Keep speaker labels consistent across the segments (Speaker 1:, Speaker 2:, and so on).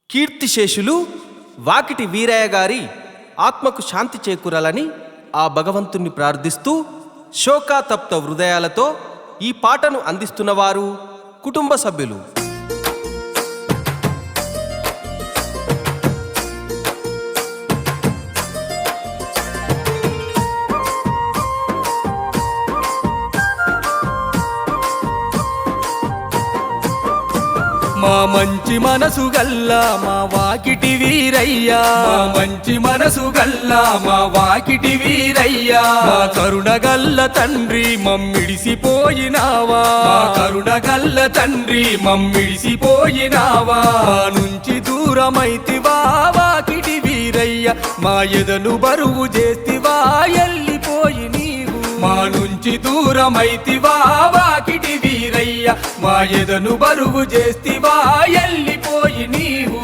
Speaker 1: కీర్తిశేషులు వాకిటి వీరయ్య గారి ఆత్మకు శాంతి చేకూరాలని ఆ భగవంతుణ్ణి ప్రార్థిస్తూ శోకాతప్త హృదయాలతో ఈ పాటను అందిస్తున్నవారు కుటుంబ సభ్యులు.
Speaker 2: మా మంచి మనసు గల్లా మా వాకిటి వీరయ్యా, మా మంచి మనసు గల్లా మా వాకిటి వీరయ్యా, మా కరుణ గల్ల తండ్రి మమ్మిడిసిపోయినావా, మా కరుణ గల్ల తండ్రి మమ్మిడిసిపోయినావా, మా నుంచి దూరమైతివా వాకిటి వీరయ్యా, మా ఎదను బరువు చేస్తివా ఎల్లిపోయి నీవు, మా నుంచి దూరమైతివా వాకిటి వీరయ్యా, మా ఎదను బరువు చేస్తివా ఎల్లిపోయి నీవు.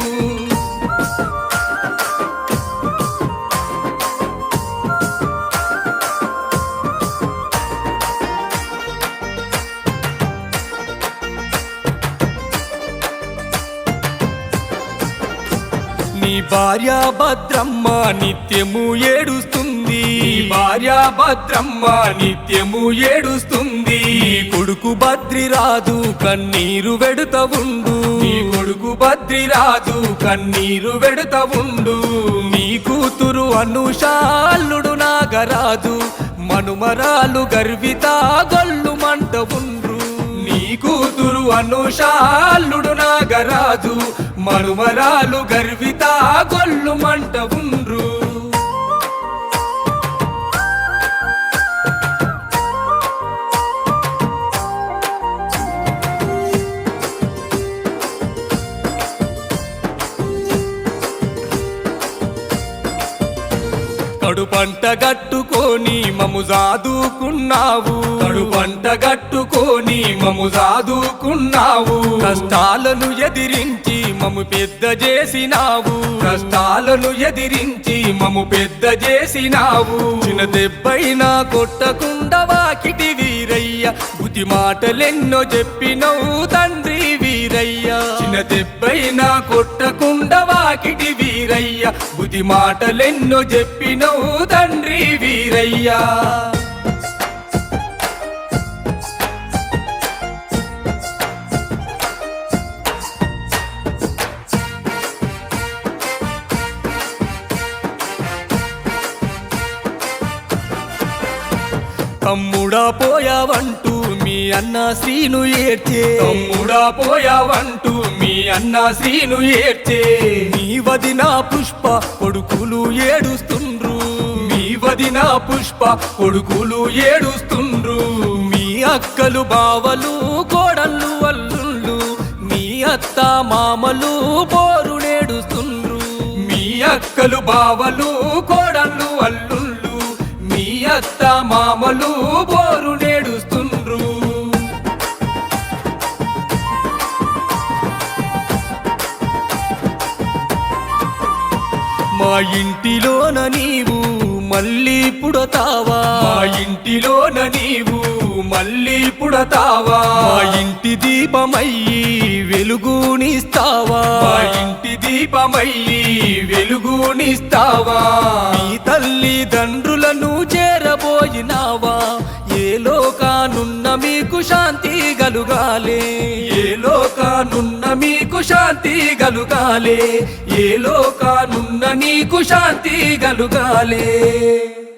Speaker 2: నీ భార్య భద్రమ్మ నిత్యము ఏడుస్తుంది, భార్య భద్రమ్మ నిత్యము ఏడుస్తుంది, కొడుకు బద్రిరాజు కన్నీరు వెడుత ఉండు, నీ కొడుకు బద్రిరాజు కన్నీరు వెడుత ఉండు, నీ కూతురు అనుషాల్లుడు నాగరాజు మనుమరాలు గర్విత గొల్లు మంట ఉండ్రు, నీ కూతురు అనుషాల్లుడు నాగరాజు మనుమరాలు గర్విత గొల్లు మంట ఉండ్రు. కడు పంట గట్టుకొని మము జాదుకున్నావు, కడు పంట గట్టుకొని మము జాదుకున్నావు, కష్టాలను ఎదిరించి మము పెద్ద చేసినావు, కష్టాలను ఎదిరించి మము పెద్ద చేసినావు, చిన్న దెబ్బైనా కొట్టకుండా వాకిటి వీరయ్య బుద్ధి మాటలెన్నో చెప్పినవు తండ్రి వీరయ్య, చిన్న దెబ్బైనా కొట్టకుండా వాకిటి వీరయ్య బుద్ధి మాటలెన్నో చెప్పినవు తండ్రి వీరయ్యా. తమ్ముడా పోయావంటూ మీ అన్న శ్రీను ఏడ్చే, తమ్ముడా పోయావంటూ మీ అన్న శ్రీను ఏడ్చే, నీ వదిన పుష్ప కొడుకులు ఏడుస్తుండ్రు, మీ వదిన పుష్ప కొడుకులు ఏడుస్తుండ్రు, మీ అక్కలు బావలు కోడళ్ళు అల్లుళ్ళు మీ అత్త మామలు బోరు నేడుస్తుండ్రు, మీ అక్కలు బావలు కోడళ్ళు అల్లుళ్ళు మీ అత్త మామలు బోరు నేడుస్తుండ్రు. మా ఇంటిలోన నీవు మళ్ళీ పుడతావా, మా ఇంటిలోన నీవు మళ్ళీ పుడతావా, మా ఇంటి దీపమయ్యి వెలుగునిస్తావా, మా ఇంటి దీపమయ్యి వెలుగునిస్తావా, నీ తల్లిదండ్రులను చేరబోయినావా, ఏ లోకానున్న మీకు శాంతి గలుగాలే, ఏ లోకానున్న మీకు శాంతి గలుగాలే, ఏ లోకానున్న నీకు శాంతి గలుగాలే.